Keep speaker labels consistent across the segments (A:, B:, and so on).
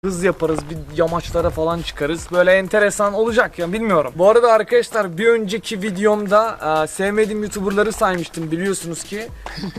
A: hız yaparız, bir yamaçlara falan çıkarız. Böyle enteresan olacak ya, bilmiyorum. Bu arada arkadaşlar, bir önceki videomda sevmediğim YouTuber'ları saymıştım, biliyorsunuz ki.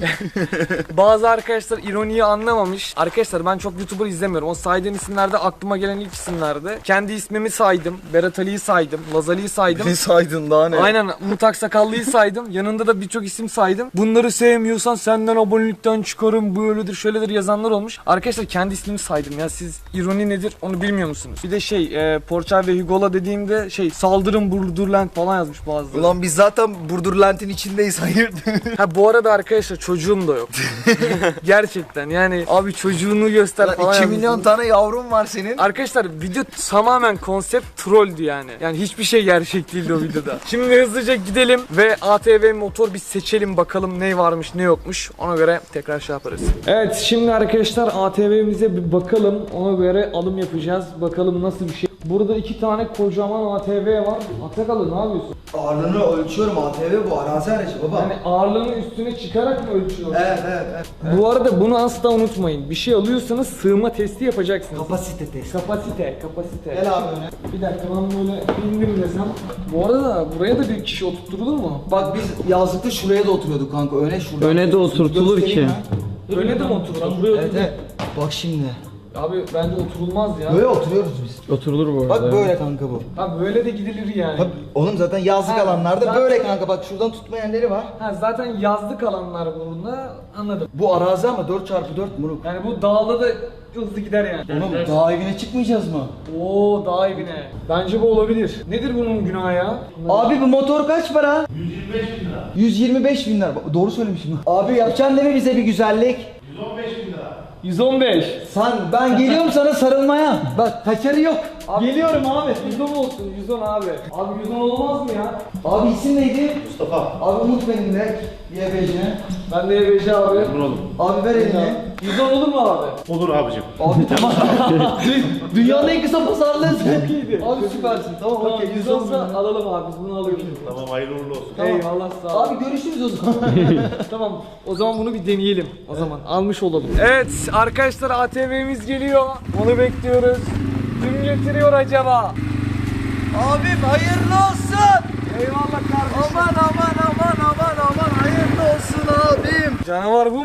A: Bazı arkadaşlar ironiyi anlamamış. Arkadaşlar ben çok YouTuber izlemiyorum. O saydığım isimlerde aklıma gelen ilk isimlerdi. Kendi ismimi saydım. Berat Ali'yi saydım. Laz Ali'yi saydım.
B: Ne saydın daha ne?
A: Aynen, Umut Aksakallı'yı saydım. Yanında da birçok isim saydım. Bunları sevmiyorsan senden abonelikten çıkarım, böyledir şöyledir yazanlar olmuş. Arkadaşlar kendi ismimi saydım ya, siz ironi nedir onu bilmiyor musunuz? Bir de Porçay ve Hugo'la dediğimde saldırın Burdurland falan yazmış bazıları.
B: Ulan biz zaten Burdurland'in içindeyiz, hayırdır?
A: Ha bu arada arkadaşlar çocuğum da yok. Gerçekten yani abi, çocuğunu göster falan
B: 2
A: yazmışsınız.
B: milyon tane yavrum var senin.
A: Arkadaşlar video tamamen konsept trolldü yani. Yani hiçbir şey gerçek değildi o videoda. Şimdi hızlıca gidelim ve ATV motor bir seçelim, bakalım ne varmış ne yokmuş. Ona göre tekrar şey yaparız. Evet, şimdi arkadaşlar ATV'mize bir bakalım. Ona göre alım yapacağız. Bakalım nasıl bir şey. Burada 2 tane kocaman ATV var. Atakalı ne yapıyorsun?
B: Ağırlığını ölçüyorum, ATV bu arazi aracı baba.
A: Yani ağırlığını üstüne çıkarak mı ölçüyorsun?
B: Evet.
A: Bu arada bunu asla unutmayın. Bir şey alıyorsanız sığma testi yapacaksınız.
B: Kapasite testi.
A: Kapasite.
B: Gel abi öne.
A: Bir dakika, ben böyle indim desem. Bu arada buraya da bir kişi oturtulur mu?
B: Bak biz yazlıkta şuraya da oturuyorduk kanka, öne şurada.
C: Öne de oturtulur ki.
A: Öyle de mi oturulur?
B: Evet. Bak şimdi.
A: Abi bence oturulmaz ya.
B: Böyle oturuyoruz biz.
C: Oturulur bu arada.
B: Bak böyle kanka bu.
A: Abi böyle de gidilir yani.
B: Bak oğlum zaten yazlık
A: Ha,
B: alanlarda
A: zaten-
B: böyle kanka, bak şuradan tutma yerleri var.
A: Ha, zaten yazlık alanlar burada, anladım.
B: Bu arazi ama 4x4 Muruk.
A: Yani bu dağda da hızlı gider yani.
B: Oğlum dağ evine çıkmayacağız mı?
A: Oo, dağ evine. Bence bu olabilir. Nedir bunun günahı ya?
B: Abi bu motor kaç para? 125 bin lira. 125 bin lira. Doğru söylemişim. Abi yapacaksın değil mi bize bir güzellik?
A: 115.
B: Ben geliyorum sana sarılmaya. Bak kaçarı yok.
A: Abi, geliyorum abi. 110 olsun, 110 abi. Abi 110 olmaz mı ya?
B: Abi isim neydi?
D: Mustafa.
B: Abi Umut benim de. YBC.
A: Ben de YBC abi.
D: Oğlum.
B: Abi ver elini.
A: 110 olur mu abi?
D: Olur abicim.
B: Abi tamam. Dünyanın en kısa pazarlığı sen. Abi süpersin. Tamam
A: Tamam,
B: okey.
A: 110 olsa alalım abi, biz bunu alıyoruz.
D: Tamam, hayırlı uğurlu olsun.
A: Eyvallah, sağ ol.
B: Abi görüşürüz o zaman.
A: Tamam, o zaman bunu bir deneyelim. O zaman almış olalım. Evet arkadaşlar, ATV'miz geliyor. Onu bekliyoruz. Kim getiriyor acaba?
B: Abim hayırlı olsun.
A: Eyvallah kardeşim.
B: Aman hayırlı olsun abim.
A: Canavar bu.